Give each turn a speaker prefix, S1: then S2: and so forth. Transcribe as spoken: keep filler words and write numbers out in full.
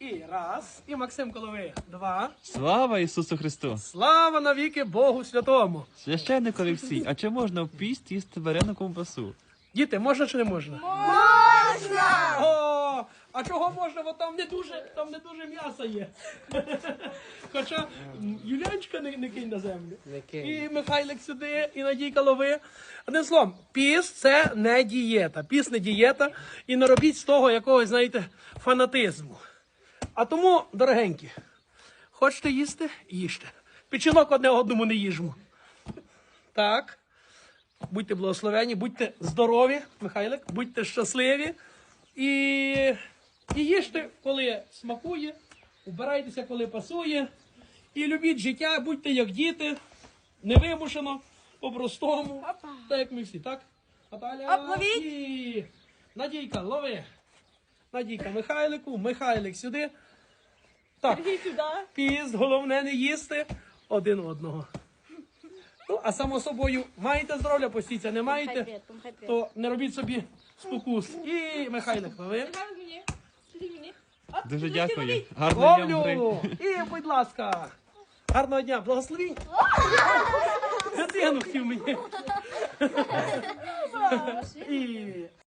S1: І раз. І Максим Коловий. Два.
S2: Слава Ісусу Христу!
S1: Слава навіки Богу Святому.
S2: Священник Олексій, а чи можна в піст їсти варену ковбасу?
S1: Діти, можна чи не можна? Можна! О, а чого можна? Бо там не дуже, там не дуже м'яса є. Хоча м, Юлянчика не, не кинь на землю. І Михайлик сюди, і Надійка лови. Одним словом, піст – це не дієта. Піст не дієта. І не робіть з того якогось, знаєте, фанатизму. А тому, дорогенькі, хочете їсти – їжте. Печінок одне одному не їжмо. Так. Будьте благословені, будьте здорові, Михайлик, будьте щасливі. І, і їжте, коли смакує, убирайтеся, коли пасує. І любіть життя, будьте як діти, невимушено, по-простому. Так, як ми всі, так? Наталя, і Надійка, лови. Надійка Михайлику, Михайлик сюди. Так, піст, головне не їсти один одного. Ну, а само собою, маєте здоров'я, постійця, не маєте, то не робіть собі спокус. І Михайлик, лови.
S2: Дуже дякую. Гарного дня вам,
S1: Ловлю!
S2: Грей.
S1: І, будь ласка, гарного дня, благословінь. Дитину хотів мені. І